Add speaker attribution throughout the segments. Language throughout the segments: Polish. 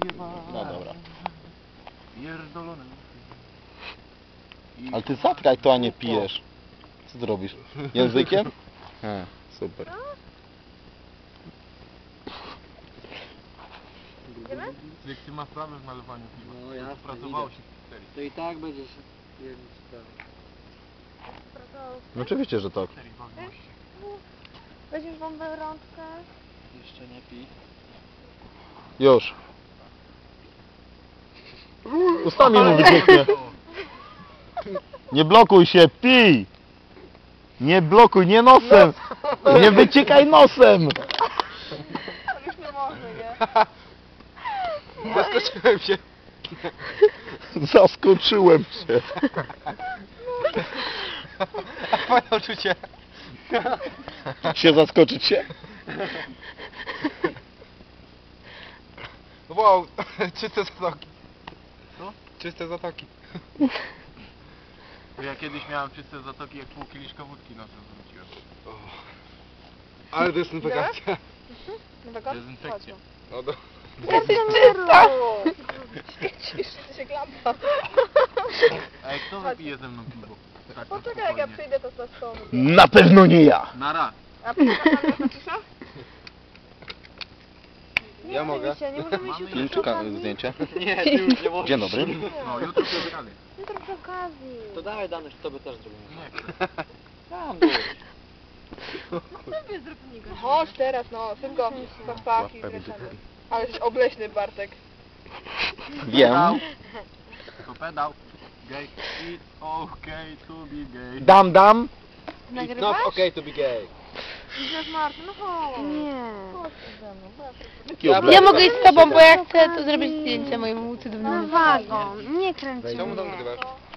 Speaker 1: No dobra.
Speaker 2: Pierdolony.
Speaker 1: Ale ty zatkaj to, a nie pijesz. Co ty robisz? Językiem? A, super.
Speaker 2: Jak ty masz problem w nalewaniu piwa.
Speaker 3: No ja
Speaker 2: Pracowało się w serii.
Speaker 3: To i tak będziesz jednym sprawą.
Speaker 1: No oczywiście, że tak.
Speaker 4: Weźmiesz bombę rączkę.
Speaker 3: Jeszcze nie pij.
Speaker 1: Już. Ustami mu wycieknie. Nie blokuj się, pij! Nie blokuj, nie nosem! Nie wyciekaj nosem!
Speaker 4: Już nie może, nie?
Speaker 3: Zaskoczyłem się.
Speaker 1: Zaskoczyłem się.
Speaker 3: A twoje uczucie?
Speaker 1: Się zaskoczyć się?
Speaker 3: Wow, czyste zatoki.
Speaker 2: Co?
Speaker 3: Czyste zatoki.
Speaker 2: Ja kiedyś miałem czyste zatoki, jak pół kieliszka wódki nosem zwróciłem.
Speaker 3: Ale dezynfekacja.
Speaker 2: Dezynfekcja.
Speaker 3: No do...
Speaker 4: Czysta! Świecisz, ty się lampa.
Speaker 2: A jak kto wypije ze mną piwo? Tak, na
Speaker 4: Poczekaj, jak ja
Speaker 2: spokojnie.
Speaker 4: przyjdę, to z tobą.
Speaker 1: Na pewno nie ja!
Speaker 2: Nara.
Speaker 4: A poczekaj, na cisza? Nie,
Speaker 3: Ja mogę.
Speaker 4: oczywiście, nie możemy iść
Speaker 2: Mamy
Speaker 4: jutro
Speaker 1: Film
Speaker 4: przy
Speaker 1: czy
Speaker 4: okazji.
Speaker 1: zdjęcie?
Speaker 3: Nie, ty już nie możesz.
Speaker 1: Dzień dobry.
Speaker 2: No, jutro spotkamy.
Speaker 4: Jutro przy okazji.
Speaker 3: To dawaj dane, że tobie też zrobimy.
Speaker 2: Nie chcę.
Speaker 3: Tam byłeś.
Speaker 4: Sobie zrób niego. Chodź teraz, no, szybko. Pachpaki, ale jesteś obleśny, Bartek.
Speaker 1: Wiem.
Speaker 2: To pedał. Gay. It's okay to be gay.
Speaker 1: Dam.
Speaker 3: It's not okay to be gay.
Speaker 4: Widzisz, Martin, no chodź. Nie. Chodź ze mną, bo ja
Speaker 1: Jaki
Speaker 3: Ja
Speaker 1: obleśny.
Speaker 5: Ja mogę iść z tobą, bo ja chcę tu zrobić zdjęcie mojemu cudownemu.
Speaker 4: wagon, nie kręć
Speaker 3: Czemu tam nagrywasz?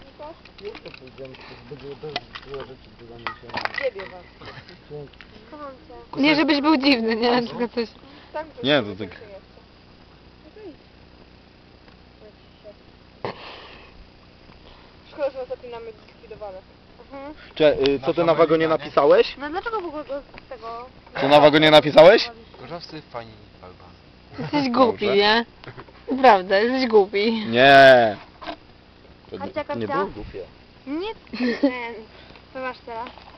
Speaker 4: Ciebie was. Kocham cię.
Speaker 5: Nie, żebyś był dziwny, nie? Tylko coś.
Speaker 4: Tak,
Speaker 1: Nie, to tak.
Speaker 4: Szkoda, że ostatnio mamy zlikwidowane.
Speaker 1: Co ty na wagonie napisałeś?
Speaker 4: No dlaczego w ogóle z tego...
Speaker 1: Co na wagonie napisałeś?
Speaker 3: Gorzowcy fajni Alban.
Speaker 5: Jesteś głupi, nie? Naprawdę, jesteś głupi.
Speaker 1: Nie. To
Speaker 4: Kapcia,
Speaker 1: nie
Speaker 4: kapcia.
Speaker 1: było głupie.
Speaker 4: Nie, co masz teraz?